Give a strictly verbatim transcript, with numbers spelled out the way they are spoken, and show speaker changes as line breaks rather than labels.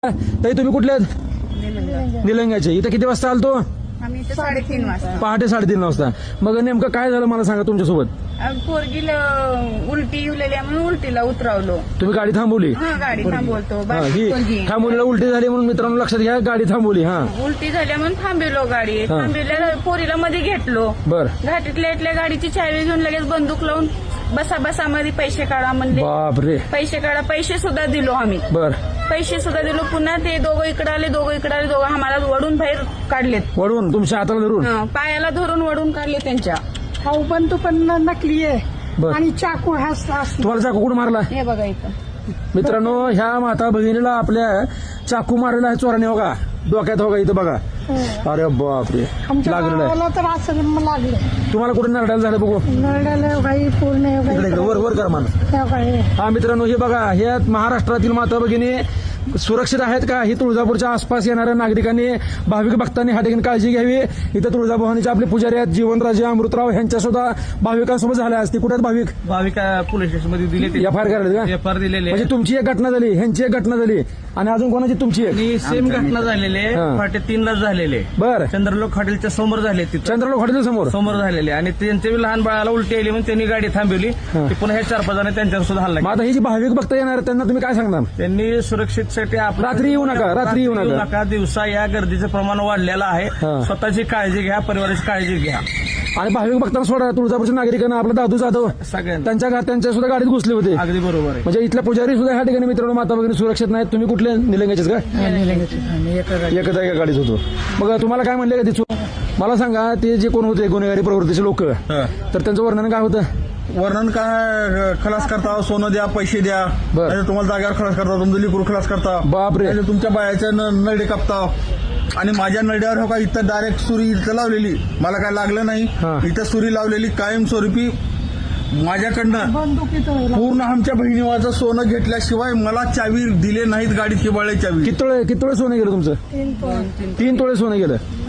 ताई तुम्ही कुठले आहेत? निलंग्याचे. इथं किती वाजता आलतो?
आम्ही इथं साडेतीन वाजता.
पहाटे साडेतीन वाजता. मग नेमकं काय झालं मला सांगा तुमच्यासोबत.
पोरगीला उलटी येऊलेली आहे म्हणून उलटीला उतरवलो.
तुम्ही गाडी थांबवली?
हा गाडी थांबवतो.
हा, ही थांबवलीला उलटी झाली म्हणून मित्रांनो लक्षात घ्या, गाडी थांबवली. हा
उलटी झाल्या म्हणून थांबवलो गाडी. थांबवल्या पोरीला मध्ये घेतलो.
बर.
घाटीतल्या इथल्या गाडीची चावी घेऊन लगेच बंदूक लावून बसा बसा मध्ये पैसे काढा म्हणले.
बापरे.
पैसे काढा. पैसे सुद्धा दिलो आम्ही.
बर.
पैसे सुद्धा दिलो. पुन्हा ते दोघं इकडे आले दोघं इकडे आले दोघं आम्हाला वडून बाहेर काढलेत.
वडून तुमच्या हाताला धरून?
हा, पायाला धरून वडून काढले त्यांच्या.
हा बंदूक पण नकली आहे
बर.
आणि चाकू हा असतो.
तुम्हाला चाकू कुठं मारला?
हे बघा इथं
मित्रांनो ह्या माता भगिनीला आपल्या चाकू मारलेला आहे चोराने. बघा डोक्यात. बघा इथं बघा. अरे बापरे.
आमच्या
लागलेलं आहे.
गावाला तर असं लागलं.
तुम्हाला कुठे नरडायला झालं बघू?
नरड्याला काही पूर्ण
इकडे इकडे वर वर कर माणूस.
काही
हा मित्रांनो हे बघा, हे महाराष्ट्रातील माता भगिनी सुरक्षित आहेत का? ही तुळजापूरच्या आसपास येणाऱ्या नागरिकांनी भाविक भक्तांनी ह्या ठिकाणी काळजी घ्यावी. इथं तुळजाभवानीचे आपले पुजारी आहेत जीवनराजे अमृतराव, ह्यांच्या सुद्धा भाविकांसोबत झाल्या असते. कुठे भाविक?
भाविक पोलीस स्टेशन मध्ये दिले
एफ आय आर करायला का?
एफ आर दिलेले
म्हणजे तुमची एक घटना झाली, ह्यांची एक घटना झाली आणि अजून कोणाची? तुमची एक.
आणि सेम घटना झालेले
हा.
पहाटे तीनलाच झालेले.
बर.
चंद्रलोक हॉटेलच्या समोर झाले. तिथं
चंद्रलोक हॉटेल समोर
समोर झालेले आणि त्यांच्या बी लहान बाळाला उलटी आली म्हणून त्यांनी गाडी थांबवली.
हा.
ते पुन्हा हे चार पाच जण त्यांच्यावर सुद्धा हल्ला
मग
केला.
आता ही जी भाविक भक्त येणार आहेत, त्यांना तुम्ही काय सांगणार?
त्यांनी सुरक्षितसाठी आपलं-
रात्री येऊ नका, रात्री येऊ नका.
दिवसा या गर्दीचं प्रमाण वाढलेलं आहे.
हा.
स्वतःची काळजी घ्या, परिवाराची काळजी घ्या.
आणि भाविक भक्तांना सोडा. तुळजापूरच्या नागरिकांना आपला दादू जाधव
सगळ्यांना
त्यांच्या घा- त्यांच्या सुद्धा गाडीत घुसले होते.
अगदी बरोबर आहे.
म्हणजे इथल्या पुजारी सुद्धा ह्या ठिकाणी मित्रांनो माता भगिनी सुरक्षित नाहीत. तुम्ही कुठले निलंग्याचेच का? एकच एका गाडीत होतो. मग तुम्हाला काय म्हणले का तिथून? मला सांगा ते जे कोण होते गुन्हेगारी प्रवृत्तीचे लोक, तर त्यांचं वर्णन काय होतं?
वर्णन काय? खलास करता, सोनं द्या, पैसे द्या,
बर.
नाहीतर तुम्हाला जागेवर खलास करता, तुमचं लिकूर खलास करता,
बापरे.
नाहीतर तुमच्या बायाच्या न- नरडे कापता. आणि माझ्या नरड्यावर हो का इथं डायरेक्ट सुरी इथं लावलेली, मला काय लागलं नाही.
हा.
इथं सुरी लावलेली कायमस्वरूपी माझ्याकडनं.
बंदुकीत
पूर्ण आमच्या बहिणीवाचं सोनं घेतल्याशिवाय मला चावी दिले नाहीत. गाडीत किंवा चावी.
किती तोळे किती तोळे सोनं गेलं तुमचं?
तीन
तीन तोळे सोनं गेलं.